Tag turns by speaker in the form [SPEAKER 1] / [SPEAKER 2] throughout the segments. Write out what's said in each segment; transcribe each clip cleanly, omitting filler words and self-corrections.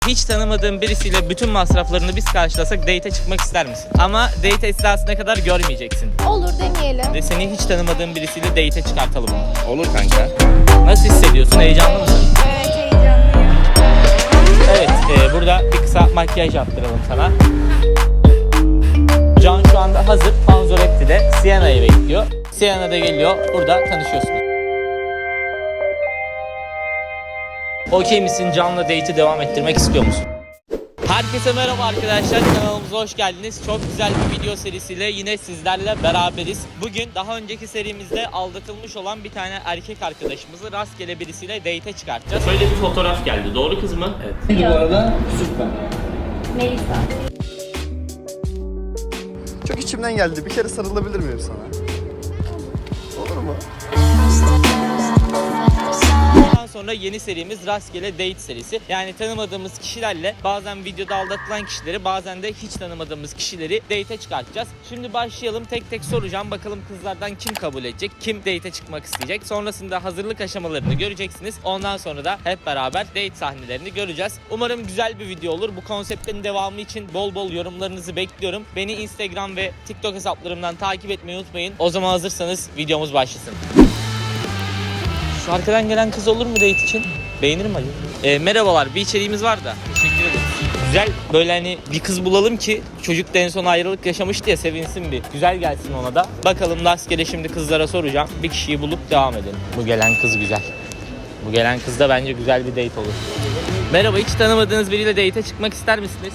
[SPEAKER 1] Hiç tanımadığın birisiyle bütün masraflarını biz karşılasak date'e çıkmak ister misin? Ama date esnasına kadar görmeyeceksin.
[SPEAKER 2] Olur, deneyelim.
[SPEAKER 1] Ve seni hiç tanımadığın birisiyle date'e çıkartalım.
[SPEAKER 3] Olur kanka.
[SPEAKER 1] Nasıl hissediyorsun? Heyecanlı mısın?
[SPEAKER 2] Evet, heyecanlıyım.
[SPEAKER 1] Evet, burada bir kısa makyaj yaptıralım sana. Can şu anda hazır. Panzoretti'de Siena'yı bekliyor. Siena da geliyor. Burada tanışıyorsunuz. Okey misin? Can'la date'i devam ettirmek istiyor musun? Herkese merhaba arkadaşlar, kanalımıza hoş geldiniz. Çok güzel bir video serisiyle yine sizlerle beraberiz. Bugün daha önceki serimizde aldatılmış olan bir tane erkek arkadaşımızı rastgele birisiyle date'e çıkartacağız. Böyle bir fotoğraf geldi. Doğru kız mı? Evet.
[SPEAKER 3] Şimdi bu arada süper.
[SPEAKER 2] Melisa.
[SPEAKER 4] Çok içimden geldi. Bir kere sarılabilir miyim sana? Olur mu?
[SPEAKER 1] Bundan sonra yeni serimiz rastgele date serisi. Yani tanımadığımız kişilerle bazen videoda aldatılan kişileri, bazen de hiç tanımadığımız kişileri date'e çıkartacağız. Şimdi başlayalım, tek tek soracağım. Bakalım kızlardan kim kabul edecek, kim date'e çıkmak isteyecek. Sonrasında hazırlık aşamalarını göreceksiniz. Ondan sonra da hep beraber date sahnelerini göreceğiz. Umarım güzel bir video olur. Bu konseptin devamı için bol bol yorumlarınızı bekliyorum. Beni Instagram ve TikTok hesaplarımdan takip etmeyi unutmayın. O zaman hazırsanız videomuz başlasın. Şu arkadan gelen kız olur mu date için? Beğenir mi acaba? Merhabalar, bir içeriğimiz var da. Teşekkür ederim. Güzel, böyle hani bir kız bulalım ki çocuk da en son ayrılık yaşamıştı ya, sevinsin bir. Güzel gelsin ona da. Bakalım rastgele şimdi kızlara soracağım. Bir kişiyi bulup devam edelim. Bu gelen kız güzel. Bu gelen kız da bence güzel bir date olur. Merhaba, hiç tanımadığınız biriyle date'e çıkmak ister misiniz?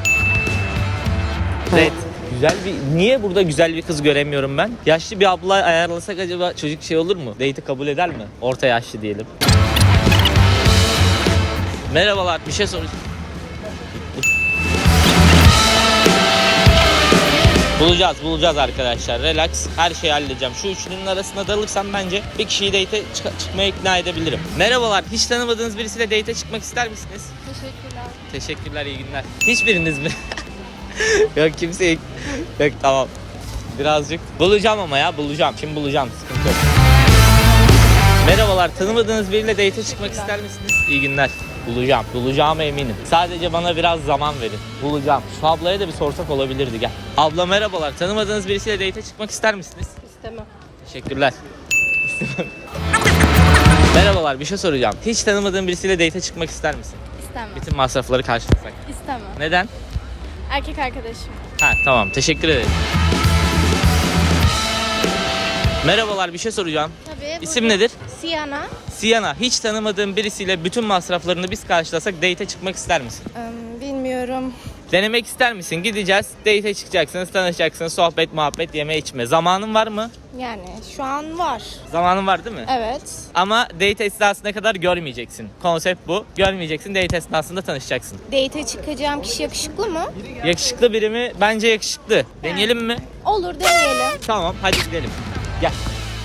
[SPEAKER 1] Evet. Güzel bir... Niye burada güzel bir kız göremiyorum ben? Yaşlı bir abla ayarlasak acaba çocuk şey olur mu? Date'i kabul eder mi? Orta yaşlı diyelim. Merhabalar, bir şey soracağım. Bulacağız arkadaşlar. Relax. Her şeyi halledeceğim. Şu üçlünün arasına dalırsam bence bir kişiyi date'e çıkmaya ikna edebilirim. Merhabalar, hiç tanımadığınız birisiyle date'e çıkmak ister misiniz?
[SPEAKER 2] Teşekkürler.
[SPEAKER 1] Teşekkürler, iyi günler. Hiçbiriniz mi? Yok, kimse yok. Yok, tamam. Birazcık bulacağım ama ya, bulacağım. Şimdi bulacağım, sıkıntı yok. Merhabalar, tanımadığınız biriyle date'e çıkmak ister misiniz? İyi günler. Bulacağıma eminim. Sadece bana biraz zaman verin. Bulacağım. Şu ablaya da bir sorsak olabilirdi, gel. Abla merhabalar, tanımadığınız birisiyle date'e çıkmak ister misiniz?
[SPEAKER 2] İstemem.
[SPEAKER 1] Teşekkürler. Merhabalar, bir şey soracağım. Hiç tanımadığın birisiyle date'e çıkmak ister misin?
[SPEAKER 2] İstemem.
[SPEAKER 1] Bütün masrafları karşılasak.
[SPEAKER 2] İstemem.
[SPEAKER 1] Neden?
[SPEAKER 2] Erkek arkadaşım.
[SPEAKER 1] Ha, tamam, teşekkür ederim. Bilmiyorum. Bir şey soracağım.
[SPEAKER 2] Tabii.
[SPEAKER 1] İsim nedir?
[SPEAKER 2] Sienna.
[SPEAKER 1] Sienna, hiç tanımadığın birisiyle bütün masraflarını biz karşılasak date'e çıkmak ister misin?
[SPEAKER 2] Bilmiyorum.
[SPEAKER 1] Denemek ister misin? Gideceğiz, date'e çıkacaksınız, tanışacaksınız, sohbet, muhabbet, yeme içme. Zamanın var mı?
[SPEAKER 2] Yani şu an var.
[SPEAKER 1] Zamanın var değil mi?
[SPEAKER 2] Evet.
[SPEAKER 1] Ama date esnasına kadar görmeyeceksin. Konsept bu. Görmeyeceksin, date esnasında tanışacaksın.
[SPEAKER 2] Date'e çıkacağım kişi yakışıklı mı?
[SPEAKER 1] Yakışıklı biri mi? Bence yakışıklı. Deneyelim mi?
[SPEAKER 2] Olur, deneyelim.
[SPEAKER 1] Tamam, hadi gidelim. Gel.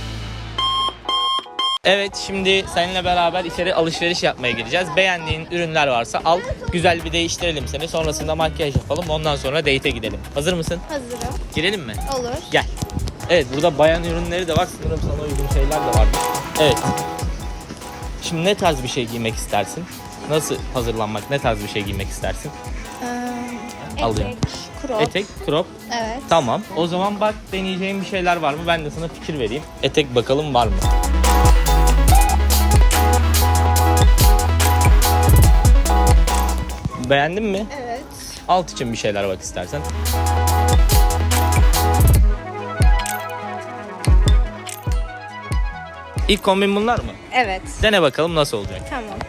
[SPEAKER 1] Evet, şimdi seninle beraber içeri alışveriş yapmaya gireceğiz. Beğendiğin ürünler varsa al, güzel bir değiştirelim seni. Sonrasında makyaj yapalım, ondan sonra date'e gidelim. Hazır mısın?
[SPEAKER 2] Hazırım.
[SPEAKER 1] Girelim mi?
[SPEAKER 2] Olur.
[SPEAKER 1] Gel. Evet, burada bayan ürünleri de var. Sanırım sana uygun şeyler de var. Evet. Şimdi ne tarz bir şey giymek istersin? Nasıl hazırlanmak, ne tarz bir şey giymek istersin? Alıyorum.
[SPEAKER 2] Etek, crop.
[SPEAKER 1] Etek, crop.
[SPEAKER 2] Evet.
[SPEAKER 1] Tamam. O zaman bak, deneyeceğim bir şeyler var mı? Ben de sana fikir vereyim. Etek bakalım var mı? Beğendin mi?
[SPEAKER 2] Evet.
[SPEAKER 1] Alt için bir şeyler bak istersen. İlk kombin bunlar mı?
[SPEAKER 2] Evet.
[SPEAKER 1] Dene bakalım nasıl olacak.
[SPEAKER 2] Tamam.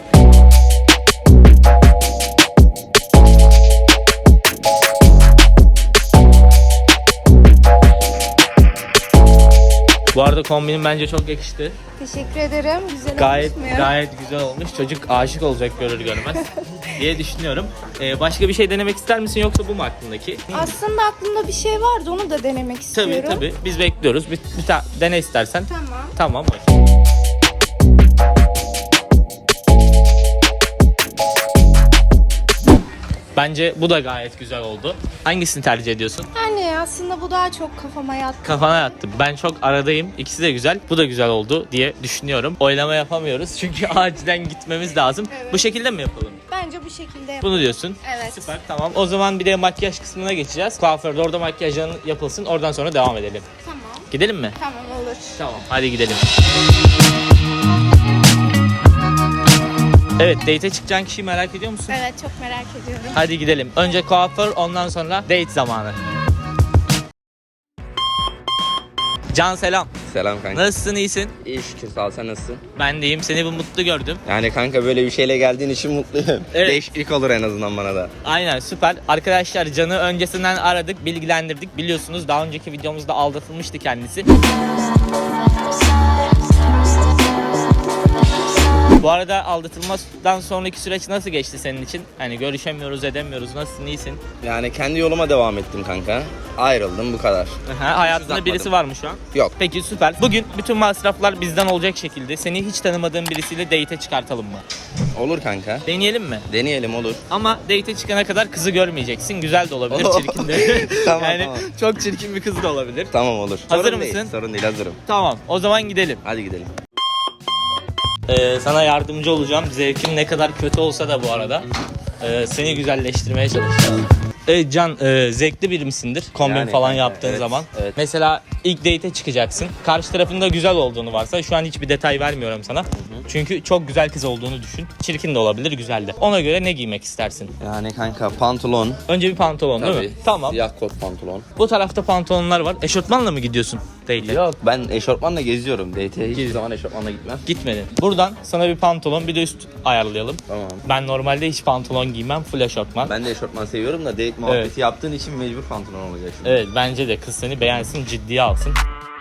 [SPEAKER 1] Bu arada kombinin bence çok yakıştı.
[SPEAKER 2] Teşekkür ederim. Güzel
[SPEAKER 1] Gayet
[SPEAKER 2] olmuş mu?
[SPEAKER 1] gayet güzel olmuş. Çocuk aşık olacak görür görmez diye düşünüyorum. Başka bir şey denemek ister misin, yoksa bu mu aklındaki?
[SPEAKER 2] Aslında aklımda bir şey vardı. Onu da denemek istiyorum.
[SPEAKER 1] Tabii. Biz bekliyoruz. Bir dene istersen.
[SPEAKER 2] Tamam.
[SPEAKER 1] Tamam. Bence bu da gayet güzel oldu. Hangisini tercih ediyorsun?
[SPEAKER 2] Yani aslında bu daha çok kafama yattı.
[SPEAKER 1] Kafana yattı. Ben çok aradayım. İkisi de güzel. Bu da güzel oldu diye düşünüyorum. Oylama yapamıyoruz çünkü acilen gitmemiz lazım.
[SPEAKER 2] Evet.
[SPEAKER 1] Bu şekilde mi yapalım?
[SPEAKER 2] Bence Bence bu şekilde yap.
[SPEAKER 1] Bunu diyorsun.
[SPEAKER 2] Evet.
[SPEAKER 1] Süper, tamam. O zaman bir de makyaj kısmına geçeceğiz. Kuaförde orada makyajın yapılsın. Oradan sonra devam edelim.
[SPEAKER 2] Tamam.
[SPEAKER 1] Gidelim mi?
[SPEAKER 2] Tamam olur.
[SPEAKER 1] Tamam. Hadi gidelim. Evet, date'e çıkacağın kişiyi merak ediyor musun?
[SPEAKER 2] Evet, çok merak ediyorum.
[SPEAKER 1] Hadi gidelim. Önce kuaför, ondan sonra date zamanı. Can selam.
[SPEAKER 3] Selam kanka.
[SPEAKER 1] Nasılsın, iyisin?
[SPEAKER 3] İyi şükür, sağ ol, sen nasılsın?
[SPEAKER 1] Ben de iyiyim. Seni bir mutlu gördüm.
[SPEAKER 3] Yani kanka böyle bir şeyle geldiğin için mutluyum.
[SPEAKER 1] Evet.
[SPEAKER 3] Değişiklik olur en azından bana da.
[SPEAKER 1] Aynen, süper. Arkadaşlar Can'ı öncesinden aradık, bilgilendirdik. Biliyorsunuz daha önceki videomuzda aldatılmıştı kendisi. Bu arada aldatılmadan sonraki süreç nasıl geçti senin için? Hani görüşemiyoruz, edemiyoruz. Nasılsın, iyisin?
[SPEAKER 3] Yani kendi yoluma devam ettim kanka. Ayrıldım, bu kadar.
[SPEAKER 1] Hayatında
[SPEAKER 3] uzatmadım.
[SPEAKER 1] birisi var mı şu an?
[SPEAKER 3] Yok.
[SPEAKER 1] Peki, süper. Bugün bütün masraflar bizden olacak şekilde seni hiç tanımadığın birisiyle date'e çıkartalım mı?
[SPEAKER 3] Olur kanka.
[SPEAKER 1] Deneyelim mi?
[SPEAKER 3] Deneyelim, olur.
[SPEAKER 1] Ama date'e çıkana kadar kızı görmeyeceksin. Güzel de olabilir, çirkin de.
[SPEAKER 3] Tamam,
[SPEAKER 1] yani
[SPEAKER 3] tamam.
[SPEAKER 1] çok çirkin bir kız da olabilir.
[SPEAKER 3] Tamam, olur.
[SPEAKER 1] Hazır
[SPEAKER 3] Sorun
[SPEAKER 1] mısın?
[SPEAKER 3] Değil, sorun değil, hazırım.
[SPEAKER 1] Tamam, o zaman gidelim.
[SPEAKER 3] Hadi gidelim.
[SPEAKER 1] Sana yardımcı olacağım. Zevkim ne kadar kötü olsa da bu arada. Seni güzelleştirmeye çalışacağım. Evet Can, zevkli biri misindir? Kombin
[SPEAKER 3] Yani
[SPEAKER 1] falan
[SPEAKER 3] kanka,
[SPEAKER 1] yaptığın
[SPEAKER 3] evet,
[SPEAKER 1] zaman.
[SPEAKER 3] evet.
[SPEAKER 1] Mesela ilk date'e çıkacaksın. Karşı tarafında güzel olduğunu varsa, şu an hiçbir detay vermiyorum sana. Çünkü çok güzel kız olduğunu düşün. Çirkin de olabilir, güzel de. Ona göre ne giymek istersin?
[SPEAKER 3] Yani kanka pantolon.
[SPEAKER 1] Önce bir pantolon değil mi? Tamam.
[SPEAKER 3] Siyah kot pantolon.
[SPEAKER 1] Bu tarafta pantolonlar var. Eşortmanla mı gidiyorsun date'e?
[SPEAKER 3] Yok, ben eşofmanla geziyorum. Date'e hiçbir zaman eşofmanla gitmem.
[SPEAKER 1] Gitmedin. Buradan sana bir pantolon, bir de üst ayarlayalım.
[SPEAKER 3] Tamam.
[SPEAKER 1] Ben normalde hiç pantolon giymem, full eşortman.
[SPEAKER 3] Ben de eşofman seviyorum da date muhabbeti yaptığın için mecbur pantolon olacak şimdi.
[SPEAKER 1] Evet, bence de kız seni beğensin, ciddiye alsın.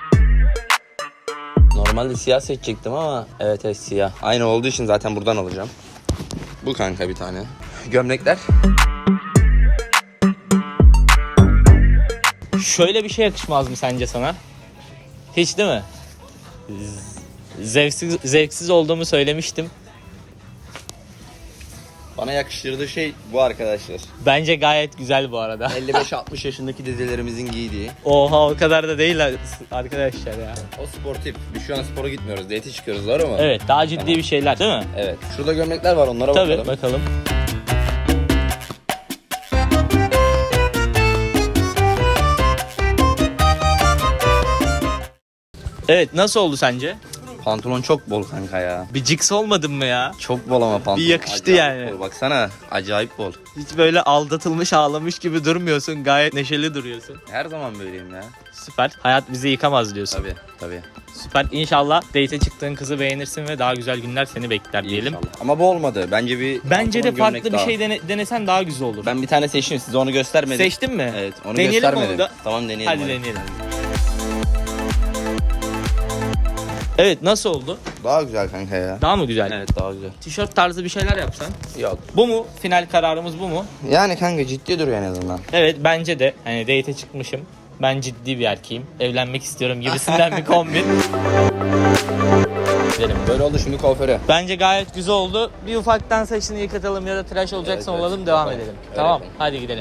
[SPEAKER 3] Normalde siyah seçecektim ama evet siyah. Aynı olduğu için zaten buradan alacağım. Bu kanka bir tane. Gömlekler.
[SPEAKER 1] Şöyle bir şey yakışmaz mı sence sana? Hiç değil mi? Zevksiz olduğumu söylemiştim.
[SPEAKER 3] Bana yakıştırdığı şey bu arkadaşlar.
[SPEAKER 1] Bence gayet güzel bu arada.
[SPEAKER 3] 55-60 yaşındaki dedelerimizin giydiği.
[SPEAKER 1] Oha, o kadar da değil arkadaşlar ya.
[SPEAKER 3] O sportif. Biz şu an spora gitmiyoruz. Date'e çıkıyoruz, doğru mu?
[SPEAKER 1] Evet, daha ciddi bir şeyler değil mi?
[SPEAKER 3] Evet. Şurada gömlekler var, onlara
[SPEAKER 1] Tabii,
[SPEAKER 3] bakalım.
[SPEAKER 1] bakalım. Evet, nasıl oldu sence?
[SPEAKER 3] Pantolon çok bol kanka ya.
[SPEAKER 1] Bir ciks olmadın mı ya?
[SPEAKER 3] Çok bol ama pantolon.
[SPEAKER 1] Bir yakıştı
[SPEAKER 3] Acayip
[SPEAKER 1] yani.
[SPEAKER 3] bol. Baksana, acayip bol.
[SPEAKER 1] Hiç böyle aldatılmış, ağlamış gibi durmuyorsun. Gayet neşeli duruyorsun.
[SPEAKER 3] Her zaman böyleyim ya.
[SPEAKER 1] Süper. Hayat bizi yıkamaz diyorsun.
[SPEAKER 3] Tabii.
[SPEAKER 1] Süper. İnşallah date'e çıktığın kızı beğenirsin ve daha güzel günler seni bekler diyelim.
[SPEAKER 3] İnşallah. Ama bu olmadı. Bence bir
[SPEAKER 1] Bence de
[SPEAKER 3] pantolon,
[SPEAKER 1] farklı
[SPEAKER 3] gömlek
[SPEAKER 1] bir
[SPEAKER 3] daha.
[SPEAKER 1] şey denesen daha güzel olur.
[SPEAKER 3] Ben bir tane seçtim, size onu göstermedim.
[SPEAKER 1] Seçtin mi?
[SPEAKER 3] Evet, onu
[SPEAKER 1] Deneyelim
[SPEAKER 3] göstermedim.
[SPEAKER 1] onu da.
[SPEAKER 3] Tamam, deneyelim.
[SPEAKER 1] Hadi deneyelim. Evet, nasıl oldu?
[SPEAKER 3] Daha güzel kanka ya.
[SPEAKER 1] Daha mı güzel?
[SPEAKER 3] Evet, daha güzel.
[SPEAKER 1] Tişört tarzı bir şeyler yapsan.
[SPEAKER 3] Yok.
[SPEAKER 1] Bu mu? Final kararımız bu mu?
[SPEAKER 3] Yani kanka ciddi duruyor en azından.
[SPEAKER 1] Evet, bence de. Hani date'e çıkmışım. Ben ciddi bir erkeğim. Evlenmek istiyorum gibisinden bir kombin. Gidelim.
[SPEAKER 3] Böyle oldu, şimdi kuaföre.
[SPEAKER 1] Bence gayet güzel oldu. Bir ufaktan saçını yıkatalım ya da tıraş olacaksan
[SPEAKER 3] Evet,
[SPEAKER 1] olalım, devam
[SPEAKER 3] yapalım.
[SPEAKER 1] edelim.
[SPEAKER 3] Öyle
[SPEAKER 1] Tamam,
[SPEAKER 3] yapalım.
[SPEAKER 1] hadi gidelim.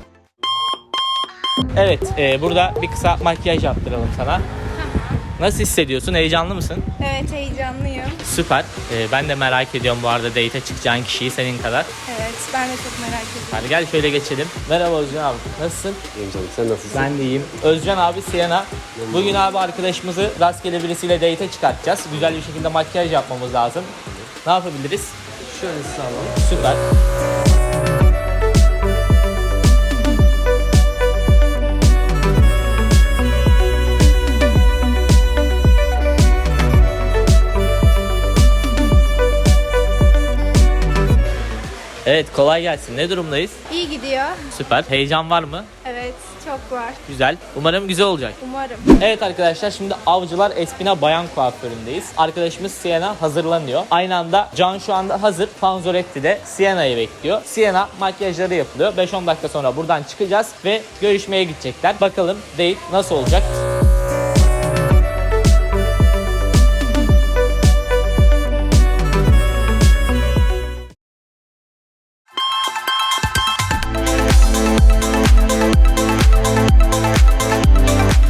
[SPEAKER 1] Evet, burada bir kısa makyaj yaptıralım sana. Nasıl hissediyorsun? Heyecanlı mısın?
[SPEAKER 2] Evet, heyecanlıyım.
[SPEAKER 1] Süper. Ben de merak ediyorum bu arada date'e çıkacağın kişiyi senin kadar.
[SPEAKER 2] Evet, ben de çok merak ediyorum.
[SPEAKER 1] Hadi gel şöyle geçelim. Merhaba Özcan abi. Nasılsın?
[SPEAKER 5] İyiyim canım, sen nasılsın?
[SPEAKER 1] Ben de iyiyim. Özcan abi, Siena. Bugün abi arkadaşımızı rastgele birisiyle date'e çıkartacağız. Güzel bir şekilde makyaj yapmamız lazım. Ne yapabiliriz?
[SPEAKER 5] Şöyle sağlam.
[SPEAKER 1] Süper. Evet, kolay gelsin. Ne durumdayız?
[SPEAKER 2] İyi gidiyor.
[SPEAKER 1] Süper. Heyecan var mı?
[SPEAKER 2] Evet, çok var.
[SPEAKER 1] Güzel. Umarım güzel olacak.
[SPEAKER 2] Umarım.
[SPEAKER 1] Evet arkadaşlar, şimdi Avcılar Espina Bayan Kuaförü'ndeyiz. Arkadaşımız Siena hazırlanıyor. Aynı anda Can şu anda hazır. Panzoretti de Siena'yı bekliyor. Siena makyajları yapılıyor. 5-10 dakika sonra buradan çıkacağız ve görüşmeye gidecekler. Bakalım date nasıl olacak?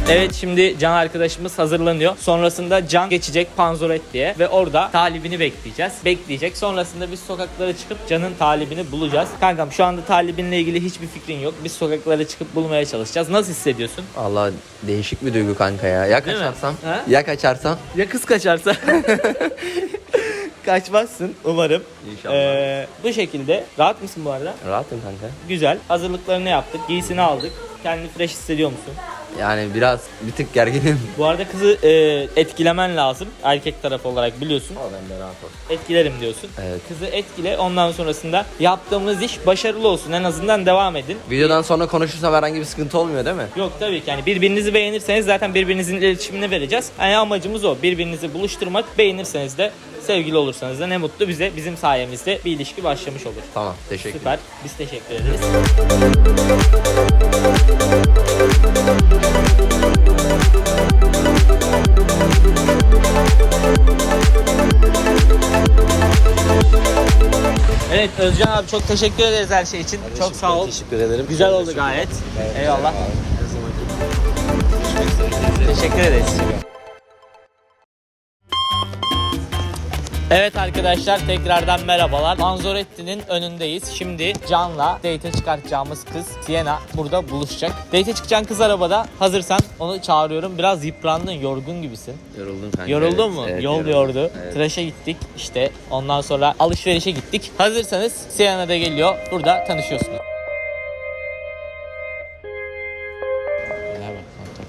[SPEAKER 1] Evet, şimdi Can arkadaşımız hazırlanıyor. Sonrasında Can geçecek Panzoretti'ye ve orada talibini bekleyeceğiz. Bekleyecek. Sonrasında biz sokaklara çıkıp Can'ın talibini bulacağız. Kankam, şu anda talibinle ilgili hiçbir fikrin yok. Biz sokaklara çıkıp bulmaya çalışacağız. Nasıl hissediyorsun?
[SPEAKER 3] Allah, değişik bir duygu kanka ya. Ya
[SPEAKER 1] Değil mi?
[SPEAKER 3] kaçarsam?
[SPEAKER 1] Ha?
[SPEAKER 3] Ya kaçarsam?
[SPEAKER 1] Ya kız kaçarsa? Kaçmazsın umarım.
[SPEAKER 3] İnşallah.
[SPEAKER 1] Bu şekilde. Rahat mısın bu arada?
[SPEAKER 3] Rahatım kanka.
[SPEAKER 1] Güzel. Hazırlıklarını yaptık. Giysini aldık. Kendini fresh hissediyor musun?
[SPEAKER 3] Yani biraz bir tık gerginim.
[SPEAKER 1] Bu arada kızı etkilemen lazım. Erkek tarafı olarak biliyorsun.
[SPEAKER 3] Ama ben de rahat ol.
[SPEAKER 1] Etkilerim diyorsun.
[SPEAKER 3] Evet.
[SPEAKER 1] Kızı etkile. Ondan sonrasında yaptığımız iş başarılı olsun. En azından devam edin.
[SPEAKER 3] Videodan sonra konuşursam herhangi bir sıkıntı olmuyor değil mi?
[SPEAKER 1] Yok, tabii ki. Yani birbirinizi beğenirseniz zaten birbirinizin iletişimini vereceğiz. Yani amacımız o. Birbirinizi buluşturmak. Beğenirseniz de, sevgili olursanız da ne mutlu bize. Bizim sayemizde bir ilişki başlamış olur.
[SPEAKER 3] Tamam, teşekkür
[SPEAKER 1] Süper. Biz teşekkür ederiz. Evet Özcan abi, çok teşekkür ederiz her şey için. Çok sağ ol.
[SPEAKER 5] Teşekkür ederim.
[SPEAKER 1] Güzel oldu gayet. Eyvallah. Teşekkür ederiz. Evet arkadaşlar, tekrardan merhabalar. Panzoretti'nin önündeyiz. Şimdi Can'la date'e çıkartacağımız kız Sienna burada buluşacak. Date'e çıkacağın kız arabada. Hazırsan onu çağırıyorum. Biraz yıprandın, yorgun gibisin.
[SPEAKER 3] Yoruldum kanka.
[SPEAKER 1] Yoruldun
[SPEAKER 3] evet,
[SPEAKER 1] mu?
[SPEAKER 3] Evet,
[SPEAKER 1] Yol
[SPEAKER 3] yoruldum.
[SPEAKER 1] yordu.
[SPEAKER 3] Evet.
[SPEAKER 1] Tıraşa gittik işte. Ondan sonra alışverişe gittik. Hazırsanız Sienna da geliyor. Burada tanışıyorsunuz. Merhaba kanka.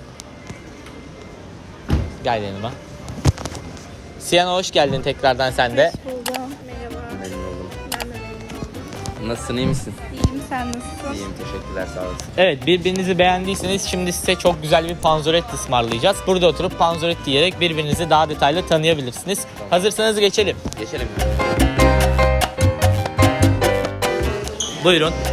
[SPEAKER 1] Gel yanıma. Sienna, hoş geldin tekrardan sen de.
[SPEAKER 2] Hoş buldum. Merhaba.
[SPEAKER 3] Memnun oldum.
[SPEAKER 2] Ben de memnun oldum.
[SPEAKER 3] Nasılsın, iyi misin?
[SPEAKER 2] İyiyim, sen nasılsın?
[SPEAKER 3] İyiyim, teşekkürler, sağ olasın.
[SPEAKER 1] Evet, birbirinizi beğendiyseniz şimdi size çok güzel bir Panzoretti ısmarlayacağız. Burada oturup Panzoretti yiyerek birbirinizi daha detaylı tanıyabilirsiniz. Hazırsanız geçelim.
[SPEAKER 3] Geçelim.
[SPEAKER 1] Buyurun.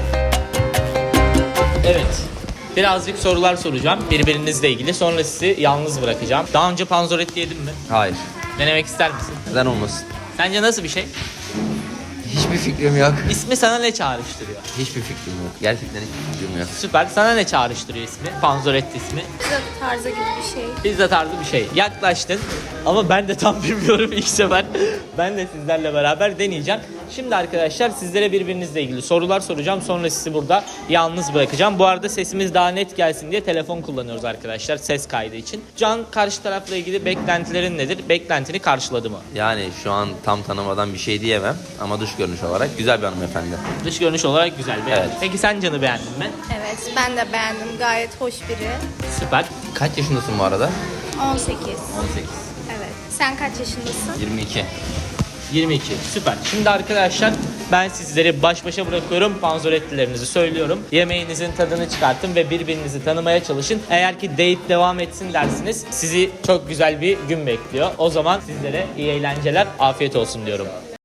[SPEAKER 1] Evet. Birazcık sorular soracağım birbirinizle ilgili. Sonra sizi yalnız bırakacağım. Daha önce Panzoretti yedin mi?
[SPEAKER 3] Hayır.
[SPEAKER 1] Denemek ister misin?
[SPEAKER 3] Neden olmasın?
[SPEAKER 1] Sence nasıl bir şey?
[SPEAKER 3] Hiçbir fikrim yok.
[SPEAKER 1] İsmi sana ne çağrıştırıyor?
[SPEAKER 3] Hiçbir fikrim yok. Gerçekten hiçbir fikrim yok.
[SPEAKER 1] Süper. Sana ne çağrıştırıyor ismi? Panzoretti ismi.
[SPEAKER 2] Pizza tarzı gibi bir şey.
[SPEAKER 1] Pizza tarzı bir şey. Yaklaştın ama ben de tam bilmiyorum ilk sefer. Ben de sizlerle beraber deneyeceğim. Şimdi arkadaşlar sizlere birbirinizle ilgili sorular soracağım. Sonra sizi burada yalnız bırakacağım. Bu arada sesimiz daha net gelsin diye telefon kullanıyoruz arkadaşlar ses kaydı için. Can, karşı tarafla ilgili beklentilerin nedir? Beklentini karşıladı mı?
[SPEAKER 3] Yani şu an tam tanımadan bir şey diyemem ama dış görünüş olarak güzel bir hanımefendi.
[SPEAKER 1] Dış görünüş olarak güzel. Beğendim.
[SPEAKER 3] Evet.
[SPEAKER 1] Peki sen Can'ı beğendin mi?
[SPEAKER 2] Evet, ben de beğendim. Gayet hoş biri.
[SPEAKER 1] Süper.
[SPEAKER 3] Kaç yaşındasın bu arada?
[SPEAKER 2] 18.
[SPEAKER 3] 18.
[SPEAKER 2] Evet. Sen kaç yaşındasın?
[SPEAKER 3] 22.
[SPEAKER 1] 22. Süper. Şimdi arkadaşlar ben sizleri baş başa bırakıyorum. Panzorettilerinizi söylüyorum. Yemeğinizin tadını çıkartın ve birbirinizi tanımaya çalışın. Eğer ki date devam etsin dersiniz, sizi çok güzel bir gün bekliyor. O zaman sizlere iyi eğlenceler, afiyet olsun diyorum.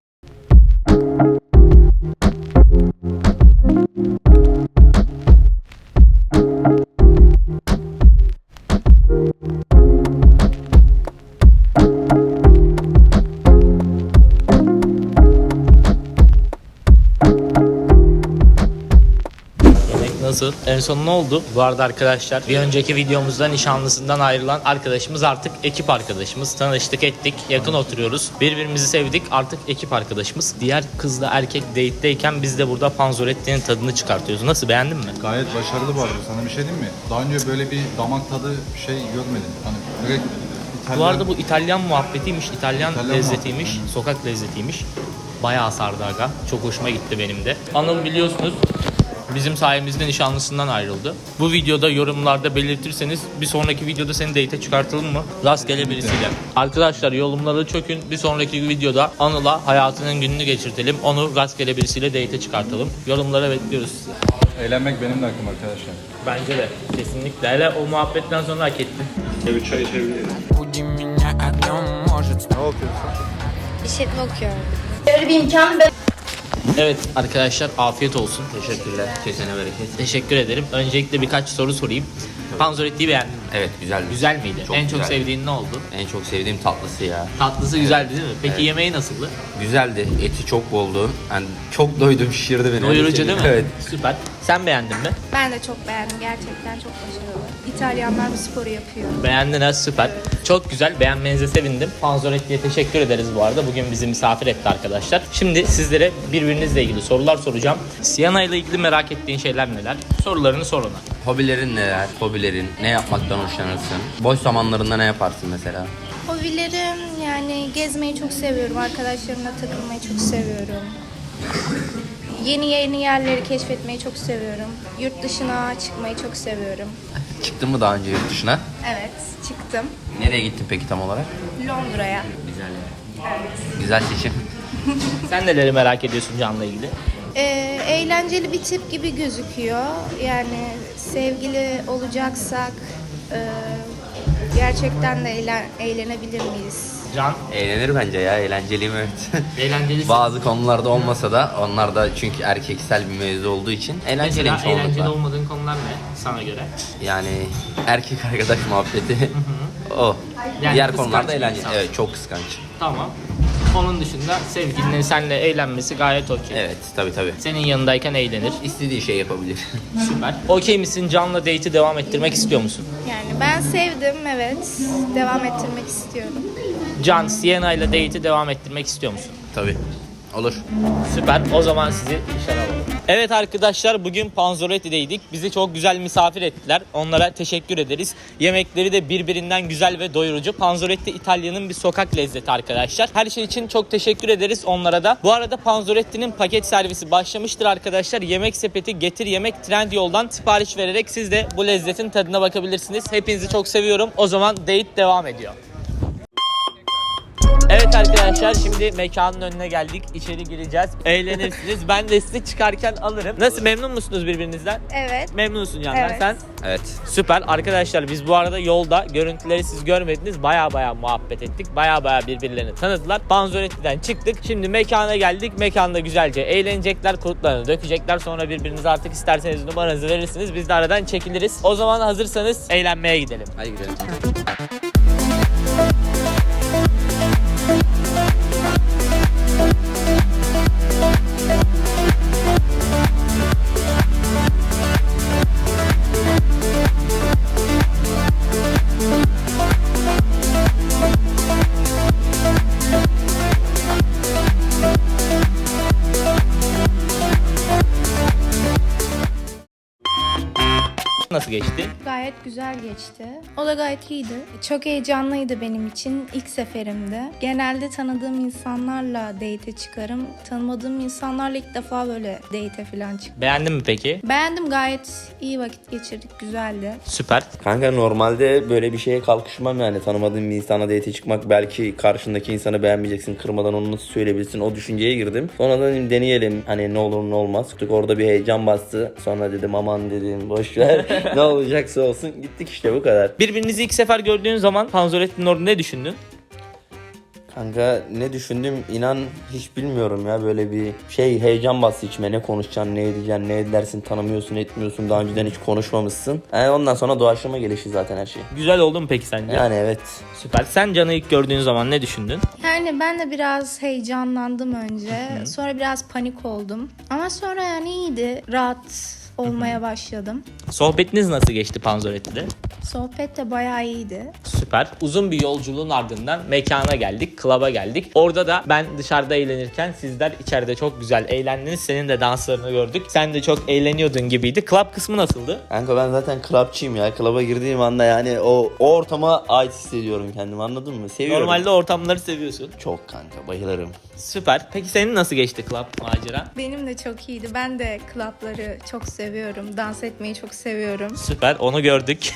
[SPEAKER 1] Yemek nasıl? En son ne oldu? Bu arada arkadaşlar, bir önceki videomuzda nişanlısından ayrılan arkadaşımız artık ekip arkadaşımız. Tanıştık ettik, yakın oturuyoruz. Birbirimizi sevdik, artık ekip arkadaşımız. Diğer kızla erkek date'deyken biz de burada Panzoretti'nin tadını çıkartıyoruz. Nasıl, beğendin mi?
[SPEAKER 6] Gayet başarılı bu arada. Sana bir şey diyeyim mi? Daha önce böyle bir damak tadı şey görmedim. Hani direkt İtalyan...
[SPEAKER 1] Bu arada bu İtalyan muhabbetiymiş, İtalyan lezzetiymiş,
[SPEAKER 6] muhabbeti,
[SPEAKER 1] sokak lezzetiymiş. Bayağı sardı aga. Çok hoşuma gitti benim de. Anıl biliyorsunuz bizim sayemizde nişanlısından ayrıldı. Bu videoda yorumlarda belirtirseniz bir sonraki videoda seni date'e çıkartalım mı? Rastgele birisiyle. Arkadaşlar yorumları çökün. Bir sonraki videoda Anıl'a hayatının gününü geçirtelim. Onu rastgele birisiyle date'e çıkartalım. Yorumlara bekliyoruz sizi.
[SPEAKER 6] Eğlenmek benim de hakkım arkadaşlar.
[SPEAKER 1] Bence de. Kesinlikle. Hele o muhabbetten sonra hak ettin.
[SPEAKER 2] İşletme okuyorum.
[SPEAKER 1] Evet arkadaşlar, afiyet olsun.
[SPEAKER 3] Teşekkürler. Kesene bereket.
[SPEAKER 1] Teşekkür ederim. Öncelikle birkaç soru sorayım. Panzoretti'yi beğendin mi?
[SPEAKER 3] Evet güzeldi.
[SPEAKER 1] Güzel miydi?
[SPEAKER 3] Çok
[SPEAKER 1] En çok
[SPEAKER 3] güzeldi.
[SPEAKER 1] sevdiğin ne oldu?
[SPEAKER 3] En çok sevdiğim tatlısı ya.
[SPEAKER 1] Tatlısı güzeldi değil mi? Peki
[SPEAKER 3] Evet.
[SPEAKER 1] yemeği nasıldı?
[SPEAKER 3] Güzeldi. Eti çok boldu. Yani çok doydum, şişirdi beni.
[SPEAKER 1] Doyurucu değil mi?
[SPEAKER 3] Evet.
[SPEAKER 1] Süper. Sen beğendin mi?
[SPEAKER 2] Ben de çok beğendim. Gerçekten çok başarılı. İtalyanlar bu sporu yapıyor.
[SPEAKER 1] Beğendin ha, süper. Çok güzel, beğenmenize sevindim. Panzoretti'ye teşekkür ederiz bu arada. Bugün bizi misafir etti arkadaşlar. Şimdi sizlere birbirinizle ilgili sorular soracağım. Siyana ile ilgili merak ettiğin şeyler neler? Sorularını sor ona.
[SPEAKER 3] Hobilerin neler? Hobilerin ne yapmaktan hoşlanırsın? Boş zamanlarında ne yaparsın mesela?
[SPEAKER 2] Hobilerim yani gezmeyi çok seviyorum. Arkadaşlarımla takılmayı çok seviyorum. Yeni yerleri keşfetmeyi çok seviyorum. Yurt dışına çıkmayı çok seviyorum.
[SPEAKER 3] Çıktın mı daha önce yurt dışına?
[SPEAKER 2] Evet, çıktım.
[SPEAKER 3] Nereye gittin peki tam olarak?
[SPEAKER 2] Londra'ya.
[SPEAKER 3] Güzel.
[SPEAKER 2] Evet.
[SPEAKER 3] Güzel seçim.
[SPEAKER 1] Sen neleri merak ediyorsun Can'la ilgili?
[SPEAKER 2] Eğlenceli bir tip gibi gözüküyor. Yani sevgili olacaksak gerçekten de eğlenebilir miyiz?
[SPEAKER 1] Can,
[SPEAKER 3] Eğlenir bence ya. Eğlenceliyim evet.
[SPEAKER 1] eğlenceli.
[SPEAKER 3] Bazı konularda olmasa da onlar da çünkü erkeksel bir mevzu olduğu için eğlenceliyim
[SPEAKER 1] Mesela eğlenceli
[SPEAKER 3] çoğunlukla.
[SPEAKER 1] olmadığın konular ne sana göre?
[SPEAKER 3] Yani erkek arkadaş muhabbeti o.
[SPEAKER 1] Yani
[SPEAKER 3] Diğer
[SPEAKER 1] kıskanç
[SPEAKER 3] konularda
[SPEAKER 1] bir
[SPEAKER 3] eğlenceli.
[SPEAKER 1] insan.
[SPEAKER 3] Evet çok kıskanç.
[SPEAKER 1] Tamam. Onun dışında sevgilinin seninle eğlenmesi gayet okey.
[SPEAKER 3] Evet tabii.
[SPEAKER 1] Senin yanındayken eğlenir.
[SPEAKER 3] İstediği şey yapabilir.
[SPEAKER 1] Süper. Okey misin? Can'la date'i devam ettirmek istiyor musun?
[SPEAKER 2] Yani ben sevdim, evet. Devam ettirmek istiyorum.
[SPEAKER 1] Can, Sienna ile date'i devam ettirmek istiyor musun?
[SPEAKER 3] Tabii. Olur.
[SPEAKER 1] Süper. O zaman sizi dışarı alalım. Evet arkadaşlar, bugün Panzoretti'deydik. Bizi çok güzel misafir ettiler. Onlara teşekkür ederiz. Yemekleri de birbirinden güzel ve doyurucu. Panzoretti İtalya'nın bir sokak lezzeti arkadaşlar. Her şey için çok teşekkür ederiz onlara da. Bu arada Panzoretti'nin paket servisi başlamıştır arkadaşlar. Yemek sepeti, getir yemek, Trendyol'dan sipariş vererek siz de bu lezzetin tadına bakabilirsiniz. Hepinizi çok seviyorum. O zaman date devam ediyor. Evet arkadaşlar, şimdi mekanın önüne geldik. İçeri gireceğiz. Eğlenirsiniz. Ben de sizi çıkarken alırım. Nasıl, memnun musunuz birbirinizden?
[SPEAKER 2] Evet.
[SPEAKER 1] Memnunsun yani.
[SPEAKER 2] Evet.
[SPEAKER 1] Sen?
[SPEAKER 3] Evet.
[SPEAKER 1] Süper. Arkadaşlar biz bu arada yolda, görüntüleri siz görmediniz, baya muhabbet ettik. Baya birbirlerini tanıdılar. Panzoretti'den çıktık. Şimdi mekana geldik. Mekanda güzelce eğlenecekler. Kurtlarını dökecekler. Sonra birbirinize artık isterseniz numaranızı verirsiniz. Biz de aradan çekiliriz. O zaman hazırsanız eğlenmeye gidelim.
[SPEAKER 3] Hadi gidelim.
[SPEAKER 1] Nasıl geçti?
[SPEAKER 2] Gayet güzel geçti. O da gayet iyiydi. Çok heyecanlıydı benim için. İlk seferimdi. Genelde tanıdığım insanlarla date'e çıkarım. Tanımadığım insanlarla ilk defa böyle date'e falan çıktım.
[SPEAKER 1] Beğendin mi peki?
[SPEAKER 2] Beğendim, gayet iyi vakit geçirdik. Güzeldi.
[SPEAKER 1] Süper.
[SPEAKER 3] Kanka normalde böyle bir şeye kalkışmam yani. Tanımadığım bir insana date çıkmak, belki karşındaki insanı beğenmeyeceksin, kırmadan onu nasıl söyleyebilirsin, o düşünceye girdim. Sonra da dedim deneyelim, hani ne olur ne olmaz. Orada bir heyecan bastı. Sonra dedim aman dedim boş ver. Ne olacaksa olsun, gittik işte, bu kadar.
[SPEAKER 1] Birbirinizi ilk sefer gördüğün zaman Panzoretti'nin orada ne düşündün?
[SPEAKER 3] Kanka ne düşündüm inan hiç bilmiyorum ya, böyle bir şey, heyecan bastı içime. Ne konuşacaksın, ne edeceksin, ne edersin, tanımıyorsun, etmiyorsun, daha önceden hiç konuşmamışsın. Yani ondan sonra doğaçlama gelişi zaten her şey.
[SPEAKER 1] Güzel oldu mu peki sence?
[SPEAKER 3] Yani evet.
[SPEAKER 1] Süper. Sen Can'ı ilk gördüğün zaman ne düşündün?
[SPEAKER 2] Yani ben de biraz heyecanlandım önce. Sonra biraz panik oldum. Ama sonra yani iyiydi. Rahat olmaya başladım.
[SPEAKER 1] Sohbetiniz nasıl geçti Panzoretti'de?
[SPEAKER 2] Sohbet de bayağı iyiydi.
[SPEAKER 1] Süper. Uzun bir yolculuğun ardından mekana geldik, klaba geldik. Orada da ben dışarıda eğlenirken sizler içeride çok güzel eğlendiniz. Senin de danslarını gördük. Sen de çok eğleniyordun gibiydi. Club kısmı nasıldı?
[SPEAKER 3] Kanka ben zaten clubçıyım ya. Club'a girdiğim anda yani o ortama ait hissediyorum kendimi, anladın mı? Seviyorum.
[SPEAKER 1] Normalde ortamları seviyorsun.
[SPEAKER 3] Çok kanka, bayılırım.
[SPEAKER 1] Süper. Peki senin nasıl geçti club macera?
[SPEAKER 2] Benim de çok iyiydi. Ben de klapları çok seviyorum. Dans etmeyi çok seviyorum.
[SPEAKER 1] Süper. Onu gördük.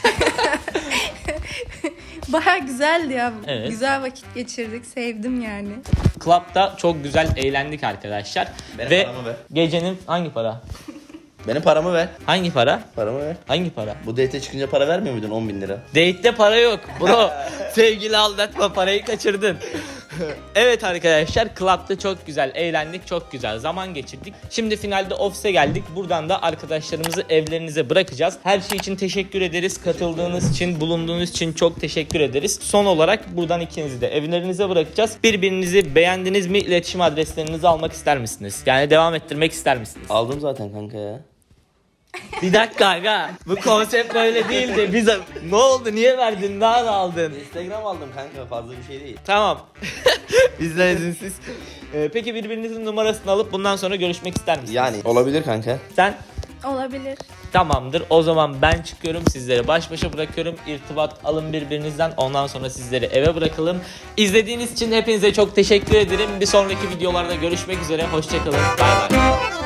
[SPEAKER 2] Bayağı güzeldi ya.
[SPEAKER 1] Evet.
[SPEAKER 2] Güzel vakit geçirdik. Sevdim yani.
[SPEAKER 1] Club'da çok güzel eğlendik arkadaşlar.
[SPEAKER 3] Benim
[SPEAKER 1] Ve
[SPEAKER 3] paramı ver.
[SPEAKER 1] gecenin hangi para?
[SPEAKER 3] Benim paramı ver.
[SPEAKER 1] Hangi para?
[SPEAKER 3] Paramı ver.
[SPEAKER 1] Hangi para?
[SPEAKER 3] Bu date'e çıkınca para vermiyor muydun, 10.000 lira?
[SPEAKER 1] Date'de para yok. Bro, sevgili aldatma, parayı kaçırdın. Evet arkadaşlar, Club'da çok güzel eğlendik, çok güzel zaman geçirdik. Şimdi finalde ofise geldik. Buradan da arkadaşlarımızı evlerinize bırakacağız. Her şey için teşekkür ederiz. Katıldığınız için, bulunduğunuz için çok teşekkür ederiz. Son olarak buradan ikinizi de evlerinize bırakacağız. Birbirinizi beğendiniz mi? İletişim adreslerinizi almak ister misiniz? Yani devam ettirmek ister misiniz?
[SPEAKER 3] Aldım zaten kanka ya.
[SPEAKER 1] Bir dakika aga. Bu konsept böyle değildi. Biz ne oldu? Niye verdin? Daha da aldın.
[SPEAKER 3] Instagram aldım kanka, fazla bir şey değil.
[SPEAKER 1] Tamam. Bizden izinsiz. Peki birbirinizin numarasını alıp bundan sonra görüşmek ister misiniz?
[SPEAKER 3] Yani olabilir kanka.
[SPEAKER 1] Sen?
[SPEAKER 2] Olabilir.
[SPEAKER 1] Tamamdır. O zaman ben çıkıyorum. Sizleri baş başa bırakıyorum. İrtibat alın birbirinizden. Ondan sonra sizleri eve bırakalım. İzlediğiniz için hepinize çok teşekkür ederim. Bir sonraki videolarda görüşmek üzere. Hoşçakalın. Bay bay.